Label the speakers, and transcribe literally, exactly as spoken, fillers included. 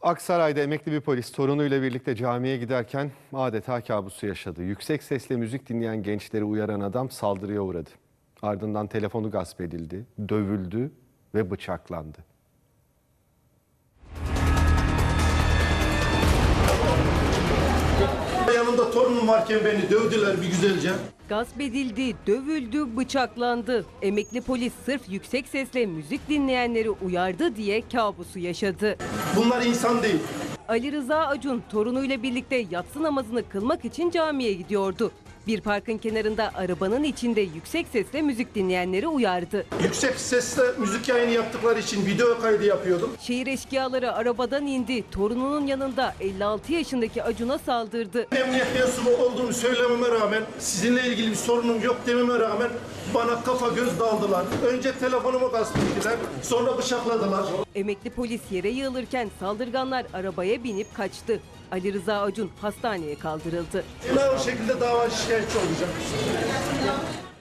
Speaker 1: Aksaray'da emekli bir polis torunuyla birlikte camiye giderken adeta kabusu yaşadı. Yüksek sesle müzik dinleyen gençleri uyaran adam saldırıya uğradı. Ardından telefonu gasp edildi, dövüldü ve bıçaklandı.
Speaker 2: Yanımda torunum varken beni dövdüler bir güzelce.
Speaker 3: Gasp edildi, dövüldü, bıçaklandı. Emekli polis sırf yüksek sesle müzik dinleyenleri uyardı diye kabusu yaşadı.
Speaker 2: Bunlar insan değil.
Speaker 3: Ali Rıza Acun torunuyla birlikte yatsı namazını kılmak için camiye gidiyordu. Bir parkın kenarında arabanın içinde yüksek sesle müzik dinleyenleri uyardı.
Speaker 2: Yüksek sesle müzik yayını yaptıkları için video kaydı yapıyordum.
Speaker 3: Şehir eşkıyaları arabadan indi. Torununun yanında elli altı yaşındaki Acun'a saldırdı.
Speaker 2: Emniyet mensubu olduğumu söylememe rağmen, sizinle ilgili bir sorunum yok dememe rağmen bana kafa göz daldılar. Önce telefonumu gasp ettiler, sonra bıçakladılar.
Speaker 3: Emekli polis yere yığılırken saldırganlar arabaya binip kaçtı. Ali Rıza Acun hastaneye kaldırıldı.
Speaker 2: Ben o şekilde dava şikayetçi olacağım.